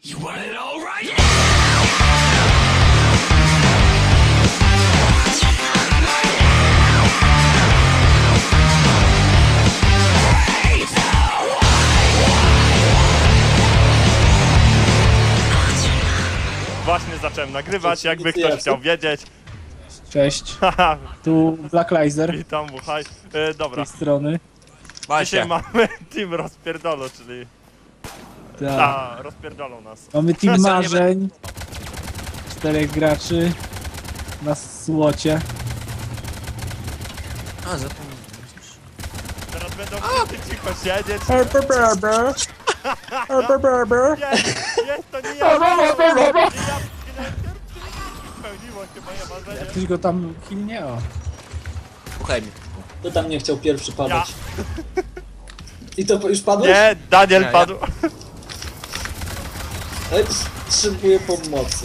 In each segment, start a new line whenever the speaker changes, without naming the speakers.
You want it all right?
Właśnie zacząłem nagrywać, jakby ktoś
inicjacja.
chciał wiedzieć.
Cześć,
Haha,
tu Black Lizer
witam, buchaj.
z
Dobra,
tej strony.
dzisiaj mamy team rozpierdolo, czyli...
Tak.
rozpierdolą nas.
Mamy team
Ja nie
marzeń. 4 graczy na słocie.
A, zapomniałem.
Teraz będą wszyscy cicho siedzieć. Jest, to nie ja! Spełniło się moje marzenie.
Ktoś go tam kilnie, o.
Słuchaj mnie.
Kto tam nie chciał pierwszy padać? I to już padłeś?
Nie, Daniel
Nie,
padł.
Ale potrzebuję pomocy.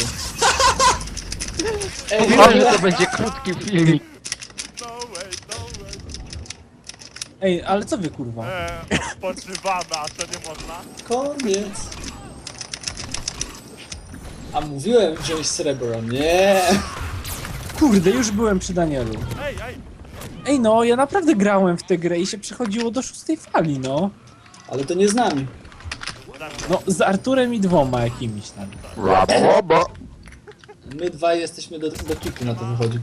Ej,
Mówiłem, że to będzie krótki filmik.
No way, no way.
Ej, ale co wy kurwa?
Odpoczywamy, a to nie można.
koniec. A mówiłem wziąć srebro, nie.
Kurde, już byłem przy Danielu.
Ej, ej.
Ej no, ja naprawdę grałem w tę grę i się przechodziło do 6 fali, no.
Ale to nie z nami.
No, z Arturem i 2 jakimiś tam.
My dwaj jesteśmy do kiku, na to wychodzi.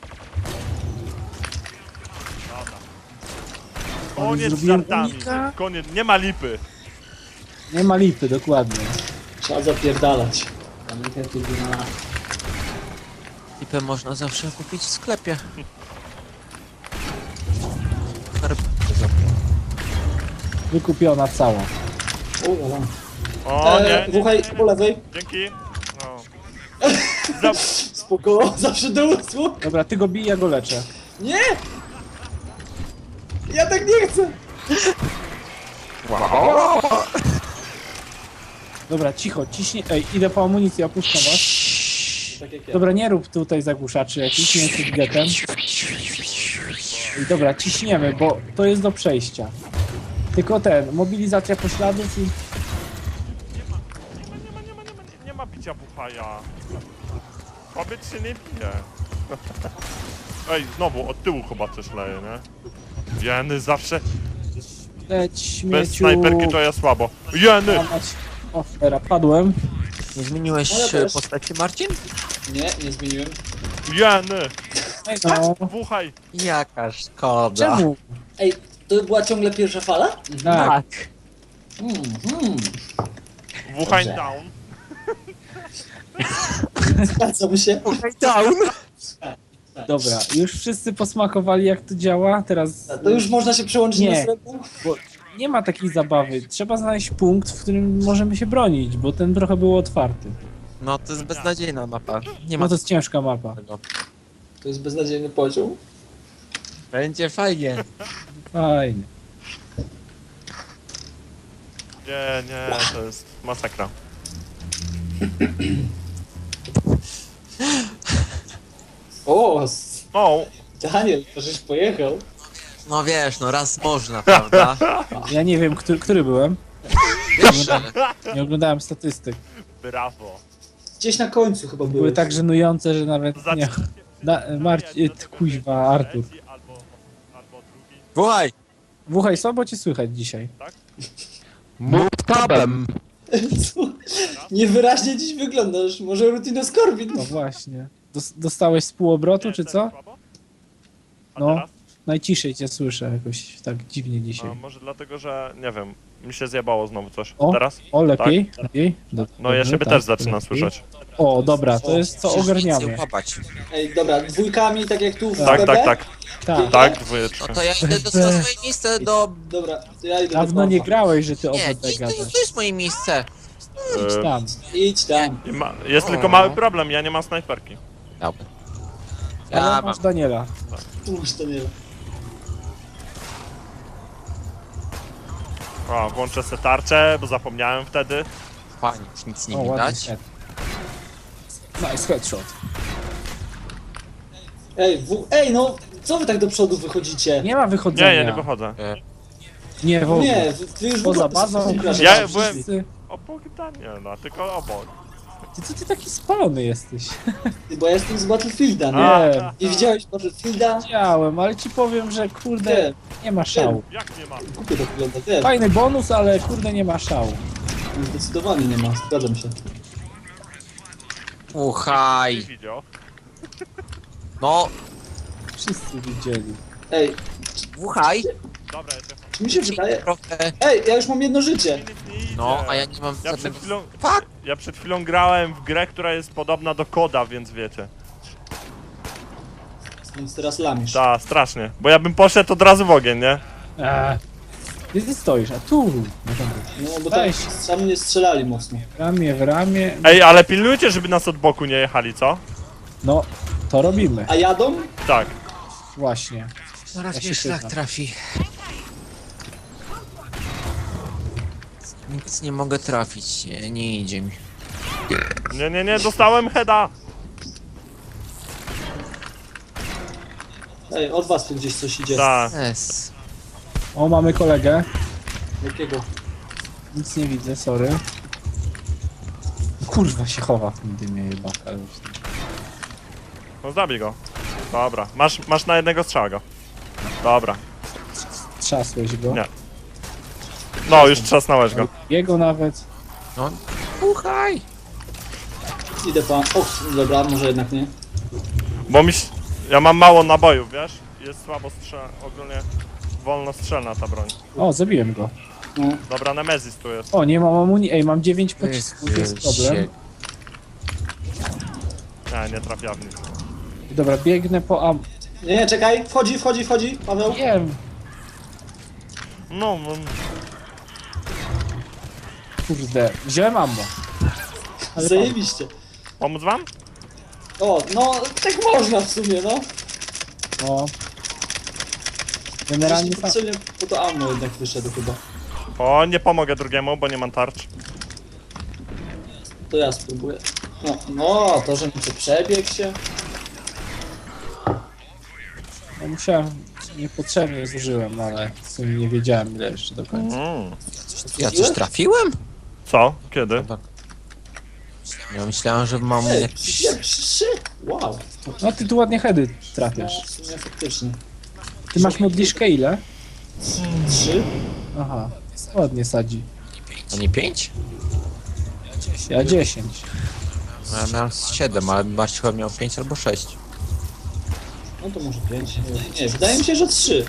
Koniec z
zrobiłem
żartami.
unika.
Koniec, nie ma lipy.
Nie ma lipy, dokładnie.
Trzeba zapierdalać. Pamiętaj, tu na...
Lipę można zawsze kupić w sklepie.
Wykupiona cała.
O, lala.
O nie, nie,
Słuchaj, po lewej.
dzięki. No. Za...
Spoko, zawsze do usług.
Dobra, ty go bij, ja go leczę.
Nie! Ja tak nie chcę!
Dobra, cicho, ciśnie. Ej, idę po amunicję, opuszczam was.
Tak jak ja.
Dobra, nie rób tutaj zagłuszaczy jakiś, nie jesteś getem. I dobra, ciśniemy, bo to jest do przejścia. Tylko mobilizacja pośladów i...
Nie ma picia buchaja. Kobiet się nie pije. Ej, znowu od tyłu chyba coś leje, nie? Jeny zawsze
Leć, śmieciu...
bez snajperki to ja słabo. Jeny!
Łamać. O, teraz padłem.
Nie zmieniłeś
No ja też.
postaci, Marcin?
Nie zmieniłem.
Jeny!
Ej no,
Buchaj!
Jaka szkoda.
czemu?
Ej, to była ciągle pierwsza fala?
Tak.
Buchaj
Dobrze.
down.
Zgadzam się.
Down!
Dobra, już wszyscy posmakowali jak to działa, teraz...
To już można się przełączyć
Nie.
na srebro?
Bo nie ma takiej zabawy. Trzeba znaleźć punkt, w którym możemy się bronić, bo ten trochę był otwarty.
No to jest beznadziejna mapa. Nie ma
No to jest ciężka mapa.
tego.
To jest beznadziejny poziom.
Będzie fajnie.
Fajnie.
Nie, to jest masakra.
O,
O!
Daniel, to żeś pojechał.
No wiesz, no raz można, prawda?
Ja nie wiem, który byłem.
Pierwsze.
Nie oglądałem statystyk.
Brawo.
Gdzieś na końcu chyba
Były
były.
tak żenujące, że nawet nie...
Zacznijcie.
Kuźwa, Artur.
Albo drugi.
Słuchaj!
Wuchaj, słabo cię słychać dzisiaj.
Mów tabem.
Co? Niewyraźnie dziś wyglądasz. Może rutinoskorbin?
No właśnie. Dostałeś z półobrotu, czy co?
A
No.
teraz?
Najciszej cię słyszę jakoś tak dziwnie dzisiaj.
A może dlatego, że nie wiem, mi się zjebało znowu coś.
O,
Teraz?
O, lepiej? Lepiej?
No
Dobrze,
ja siebie
tak,
też zaczynam
lepiej.
słyszeć.
O, dobra, to jest co
Musisz
ogarniamy.
więcej łapać.
Ej, dobra, dwójkami, tak jak tu w
Tak,
BB?
tak, tak.
Tak.
Tak,
No
dwójeczka.
to ja idę na swoje miejsce do...
Dobra, to ja idę
Dawno
do
nie
Pawła.
grałeś, że ty
Nie,
OBD
to
gadasz.
jest moje miejsce.
Idź tam.
Idź tam.
Jest tylko mały problem, ja nie mam snajperki.
Dobra.
Ale
Ja mam.
masz Daniela.
Tu masz Daniela.
O, włączę se tarczę, bo zapomniałem wtedy.
Fajnie, już nic nie
O, ładny
widać.
head. Nice headshot.
Ej, no, co wy tak do przodu wychodzicie?
Nie ma wychodzenia.
Nie, ja nie wychodzę.
Nie, w ogóle.
Nie, wy już w
Poza
ogóle
bazą.
Ja byłem-
wszyscy-
obok Daniela, tylko obok.
Ty co ty taki spalony jesteś?
Ty, bo ja jestem z Battlefielda, nie?
Nie,
Nie widziałeś Battlefielda?
widziałem, ale ci powiem, że kurde,
Wiem,
nie ma szału.
Jak nie ma?
głupio to wygląda, wiem.
Fajny bonus, ale kurde nie ma szału.
Zdecydowanie nie ma, zgadzam się.
Nie
Uchaj.
widział.
No,
Wszyscy widzieli.
Ej,
uchaj.
Dobra, ja też
czy mi się wydaje...
Trochę.
Ej, ja już mam jedno życie.
nic nie idzie.
No, a ja nie mam
Ja przed
żadnego...
chwilą...
Fuck!
Ja przed chwilą grałem w grę, która jest podobna do koda, więc wiecie.
Więc teraz lamisz.
Ta, strasznie. Bo ja bym poszedł od razu w ogień, nie?
Gdzie ty stoisz? A tu! No dobra.
No bo tam
Weź.
sami nie strzelali mocno.
W ramię.
Ej, ale pilnujcie, żeby nas od boku nie jechali, co?
No, to robimy.
A jadą?
Tak.
Właśnie.
Zaraz
Ja się
mnie szlak
pytam.
trafi. Nic nie mogę trafić, nie idzie mi.
Nie, dostałem heada!
Ej, od was tu gdzieś coś idzie.
Tak.
Es.
O, mamy kolegę.
Jakiego?
Nic nie widzę, sorry. Kurwa się chowa w tym dymie jebaka. ale już nie.
No zabij go. Dobra, masz na jednego strzała go. Dobra.
Trzasłeś go.
Nie. No, już trzasnąłeś go.
Jego nawet.
No, uchaj.
Idę pan. O, dobra, może jednak nie.
Bo ja mam mało nabojów, wiesz? Jest słabo ogólnie wolno strzelna ta broń.
O, zabiłem go.
No.
Dobra, Nemezis tu jest.
O, nie mam amunicji. Ej, mam 9 pocisków, to jest problem.
Nie trafia w nic.
Dobra, biegnę po
Nie, czekaj, wchodzi, Paweł.
Wiem.
No,
Kurde, wziąłem ammo. Ale
Zajebiście.
pomóc wam?
O, no, tak można w sumie, no.
O. Generalnie sam...
Potrzebnie po to ammo jednak wyszedł chyba.
O, nie pomogę drugiemu, bo nie mam tarcz.
To ja spróbuję. No, to, że mi to przebiegł się.
No, musiałem... Niepotrzebnie zużyłem, no, ale w sumie nie wiedziałem ile jeszcze do końca.
Ja coś trafiłem?
Co? Kiedy?
Ja myślałem, że mam
Ej,
jakiś...
trzy. Wow.
No ty tu ładnie heady
No,
trafiasz.
w sumie faktycznie.
Ty masz modliszkę ile?
3?
Aha, ładnie sadzi.
A nie 5?
Ja 10.
Ja miałem 7, ale Marcin chyba miał 5 albo 6.
No to może 5. Nie, wydaje mi się, że 3.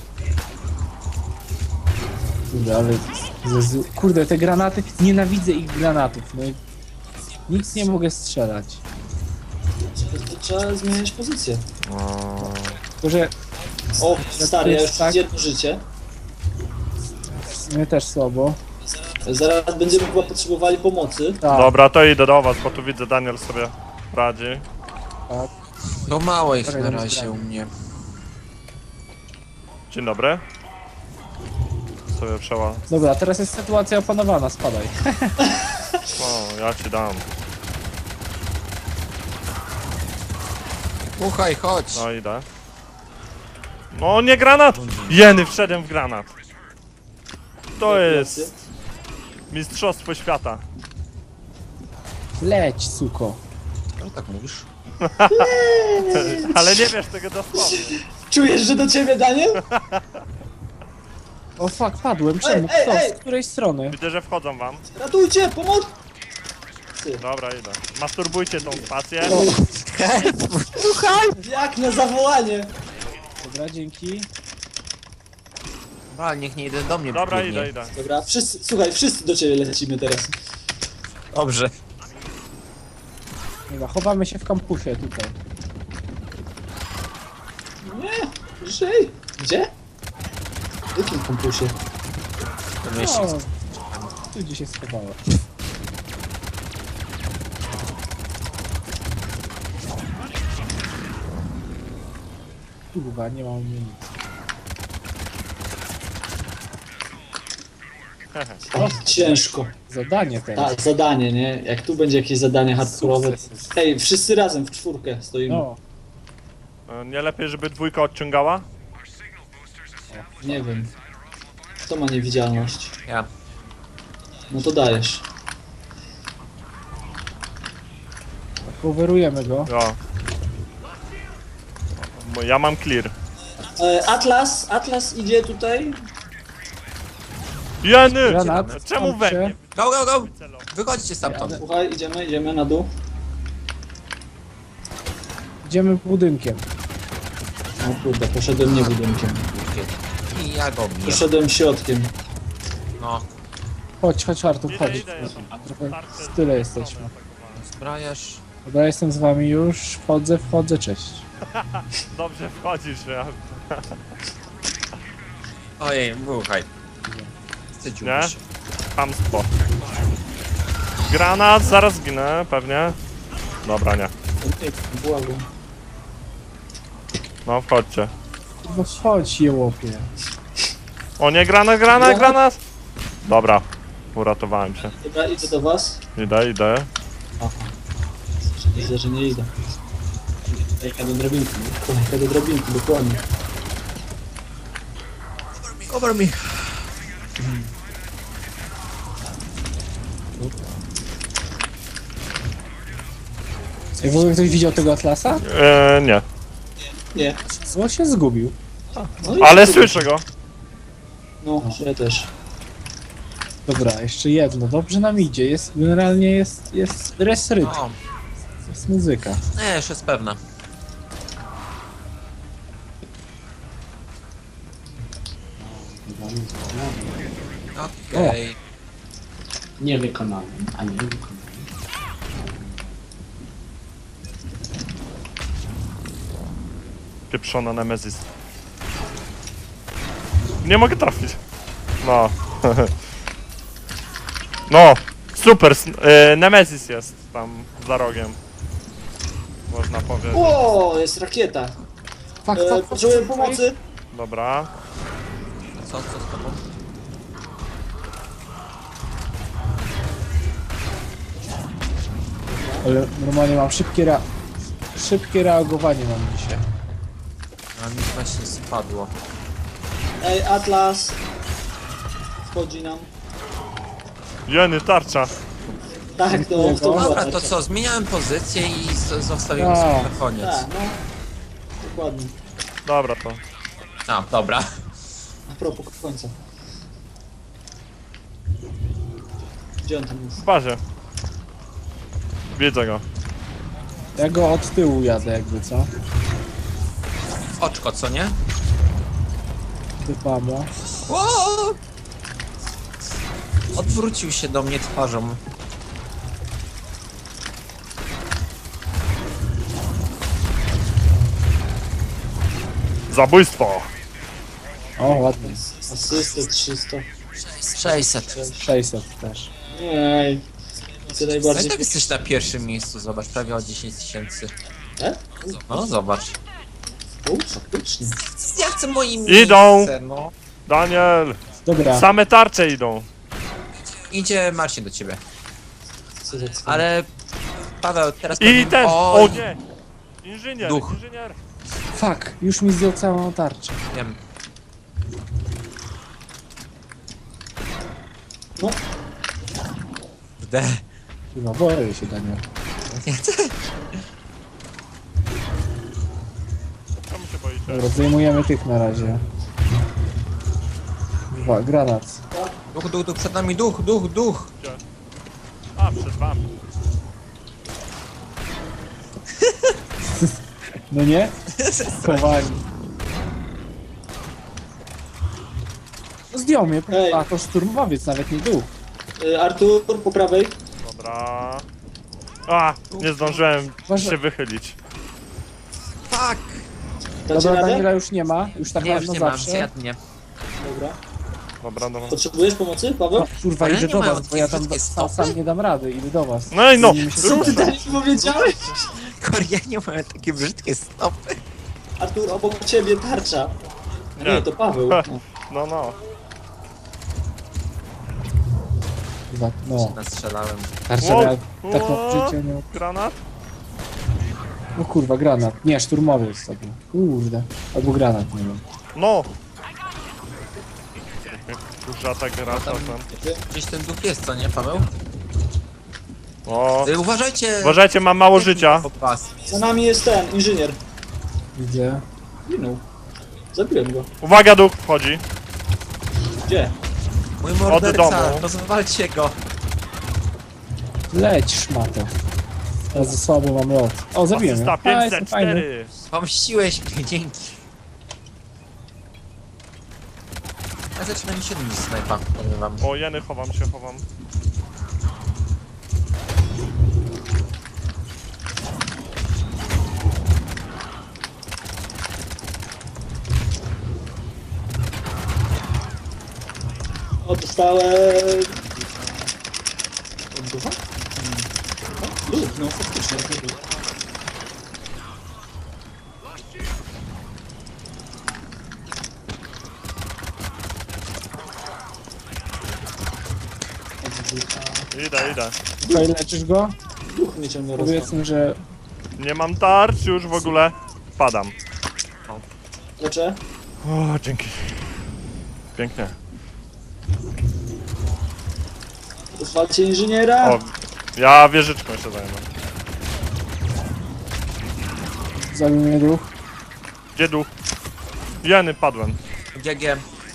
Kurde, ale... Kurde, te granaty... Nienawidzę ich granatów, no i... Nic nie mogę strzelać.
To trzeba zmieniać pozycję.
Tylko, że
O, stary, ja już
tak.
jedno życie.
mnie też słabo.
Zaraz będziemy chyba potrzebowali pomocy.
Tak,
Dobra, to idę do was, bo tu widzę Daniel sobie radzi.
tak.
No mało ich
Czekaj,
na
tam
razie
zgramy.
u mnie.
Dzień dobry. Sobie przeła...
Dobra, teraz jest sytuacja opanowana, spadaj.
O, ja ci dam.
Uchaj, chodź.
No idę. No nie granat! Jeny, wszedłem w granat. To jest... Mistrzostwo świata.
Leć, suko.
No tak mówisz.
Ale nie wiesz tego dosłownie.
Czujesz, że do ciebie, Daniel?
O fuck, padłem. Czemu?
Ej,
Kto?
ej!
Z której strony?
Widzę, że wchodzą wam.
Ratujcie, pomoc!
Dobra, idę. Masturbujcie tą spację.
Jak na zawołanie!
Dobra, dzięki.
Ale niech nie idę do mnie.
Dobra,
biegnie.
idę.
Dobra, wszyscy, słuchaj, wszyscy do ciebie lecimy teraz.
Dobrze.
Dobra, chowamy się w kampusie tutaj.
Nie, żyj! Gdzie? W jakim kampusie?
To myśl.
O, tu gdzieś się schowało. Kurwa, nie mam amunicji.
O, ciężko.
Zadanie teraz.
Tak, zadanie, nie? Jak tu będzie jakieś zadanie hardkorowe.
Sukces.
Hej, wszyscy razem w czwórkę stoimy.
No,
Nie lepiej, żeby dwójka odciągała?
Nie wiem. Kto ma niewidzialność?
Ja.
No to dajesz.
Coverujemy go.
Ja. Ja mam clear.
Atlas idzie tutaj.
Jeny!
Granat.
Czemu we mnie?
Go, go, go! Wychodźcie stamtąd.
Słuchaj, idziemy na dół.
Idziemy budynkiem.
O kurde, poszedłem nie budynkiem.
I ja go biję.
Poszedłem środkiem.
No,
Chodź Artur, chodź.
Idę.
Trochę w tyle jesteśmy.
zbrajasz.
Dobra, jestem z wami już. Wchodzę, cześć.
Dobrze wchodzisz, ja.
Ojej, buchaj. Wstydziłby
Nie?
się.
Hamstwo. Granat, zaraz zginę, pewnie. Dobra, nie.
Błagam.
No, wchodźcie.
No chodź, jełopie.
O nie, granat! Dobra, uratowałem się.
Dobra, idę do was.
Idę.
Aha. Widzę, że nie idę. Kolejka do drabinki, dokładnie.
Cover me.
Ej, w ogóle ktoś widział tego Atlasa?
Nie.
Nie.
No się zgubił.
No i
Ale
tu-
słyszę go.
No, ja też.
Dobra, jeszcze jedno. Dobrze nam idzie. Generalnie jest rytm.
No,
Jest muzyka.
nie, już jest pewna. Okej.
Niewykonany, a nie wykonany.
Pieprzona Nemezis. Nie mogę trafić. No. No, super. Nemezis jest tam za rogiem. Można powiedzieć.
O, jest rakieta.
Fak.
Potrzebuję pomocy.
Dobra.
Co z tobą?
Ale normalnie mam szybkie reagowanie mam dzisiaj.
A mi właśnie spadło.
Ej, Atlas. Wchodzi nam.
Jeny, tarcza.
Tak, to
Dziękuję.
była
Dobra,
taka.
to co, zmieniałem pozycję i zostawiłem
A.
sobie na koniec.
Tak, no. Dokładnie.
Dobra to.
A, dobra.
A propos końca. Gdzie on tam jest?
W bazie. Widzę go.
Ja go od tyłu jadę jakby, co?
W oczko, co nie?
Typamo.
O! Odwrócił się do mnie twarzą.
Zabójstwo.
O, ładnie.
Asystę 300.
600.
600 też.
Ej. Co
No i
najbardziej...
tak jesteś na pierwszym miejscu, zobacz, prawie o 10 000. No, zobacz.
Faktycznie.
Ja chcę moim
Idą.
miejsce, no.
Daniel.
Dobra,
Same tarcze idą.
Idzie Marcin do ciebie.
Co za cwany.
Ale... Paweł, teraz...
I
powiem-
ten.
Oj,
O nie. Inżynier.
Duch.
Inżynier.
fuck, już mi zdjął całą tarczę.
Wiem.
No,
Kurde.
Chyba boję się, Daniel.
Nie chcę.
Czemu się boicie?
Dobra, zdejmujemy tych na razie. Granat.
Duch, przed nami duch.
A, przed wami.
No nie? Chowani. No zdjął mnie.
Ej.
A, to szturmowiec, nawet nie duch.
Artur, po prawej.
Dobra. A, nie zdążyłem
Uważaj.
się wychylić.
Fuck!
Dacie
Dobra,
radę?
Daniela już nie ma. Już tak
Nie, już
dawno
nie mam,
zawsze.
zjadnie.
Dobra.
Dobra.
Potrzebujesz pomocy, Paweł?
No, kurwa,
Ale
idę
nie
do
mają
was, bo ja tam
takie
sam
stopy?
nie dam rady. Idę do was.
No i no.
Nie, mi się
Co
super.
ty tak powiedziałeś?
Koreanie mają takie brzydkie stopy.
Artur, obok ciebie tarcza. A
Nie.
nie, to Paweł.
Ha.
No.
No.
Kurwa, no.
Nastrzelałem.
Tarcza
Wow.
tak
Wow.
na życie, no.
Granat?
No kurwa, granat. Nie, szturmowiec sobie. Kurde. Albo granat, nie wiem.
No. Kurza ta grata tam.
Gdzieś ten duch jest, co nie, Paweł?
O,
Uważajcie!
uważajcie, mam mało życia.
Pod was.
Za nami jest ten, inżynier.
Widzę.
Minął. Zabiłem go.
Uwaga, duch wchodzi.
Gdzie?
Mój
domu.
morderca, rozwalcie go.
Leć, szmato. Ja za słabo mam lot. O, zabiłem ją.
Asysta
A, jestem fajny.
504.
Pomściłeś mnie, dzięki. Ja zaczynam mi 7 niż snajpa, powiem wam.
O, jeny, chowam się, chowam.
O, dostałem... Od ducha? Duch, no faktycznie. Duch. Od ducha.
Idę.
Tutaj leczysz go?
Duch mnie ciągle rozwala.
Powiedzmy, że
Nie mam tarcz już w ogóle. Padam.
Leczę?
O, dzięki. Pięknie.
Zwalcie inżyniera!
O, ja wieżyczką się zajmę.
zabił mnie duch.
Gdzie duch? Jeny, padłem.
GG.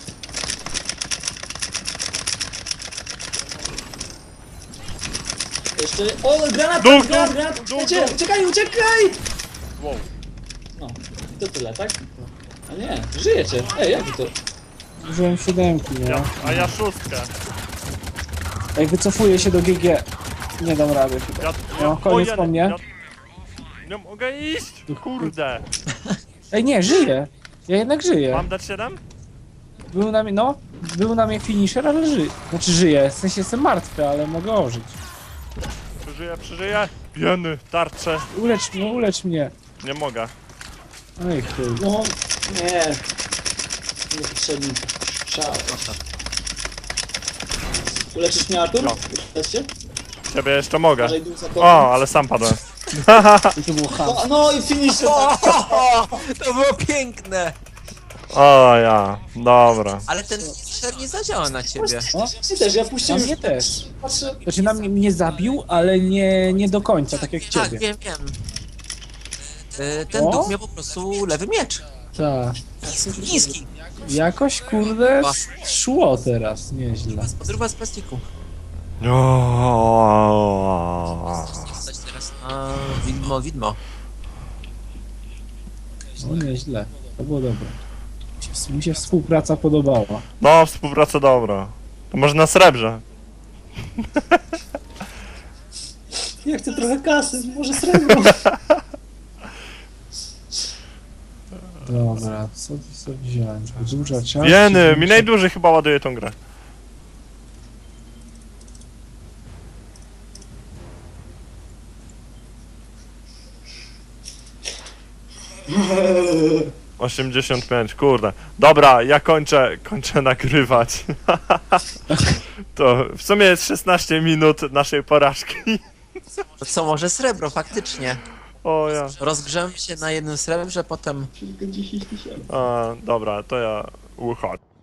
Jeszcze... O, granat!
Duch,
granat,
duch,
granat!
duch,
Uciekajcie,
duch.
uciekaj, uciekaj!
Wow.
No, i to tyle, tak? A nie, żyjecie. Ej, jak wy to?
Użyłem 7, nie?
A ja 6.
Ej, wycofuję się do GG. Nie dam rady chyba. No, koniec
jeny,
po mnie.
Nie mogę iść! Kurde.
Ej, nie, żyję. Ja jednak żyję.
Mam dać 7?
Był na mnie, no, był na mnie finisher, ale żyję. Znaczy żyję, w sensie jestem martwy, ale mogę ożyć.
Przeżyję. Jeny, tarcze.
Ulecz mnie.
Nie mogę.
Ej, chuj.
No, nie. Niepotrzebny strzał. Uleczysz mnie, Artur?
No.
Uleczycie?
Ciebie jeszcze mogę.
Uważaj, duch za tobą.
O, ale sam padłem.
I to był ham.
No i finisher!
To było piękne!
O ja, dobra.
Ale ten szer nie zadziała na ciebie.
O,
Ty też, ja
na
puściłem
mnie też.
Patrzę.
Znaczy na mnie zabił, ale nie do końca, tak jak
Tak,
ciebie.
wiem. Ten
O?
duch miał po prostu lewy miecz.
Tak.
Niski.
Jakoś, kurde, szło teraz, nieźle.
Podróba z plastiku. Stać teraz na widmo.
No nieźle, to było dobre. Mi się współpraca podobała.
No, współpraca dobra. To może na srebrze.
Ja chcę trochę kasy, może srebro.
Dobra, co wziąłem? Duża część.
Jeny, mi najdłużej chyba ładuje tą grę.
Eee.
85, kurde. Dobra, ja kończę nagrywać. To w sumie jest 16 minut naszej porażki.
To co, może srebro, faktycznie.
O ja.
Rozgrzemy się na jednym srebrze, potem...
Tylko 10 000.
Dobra, to ja uchodzę.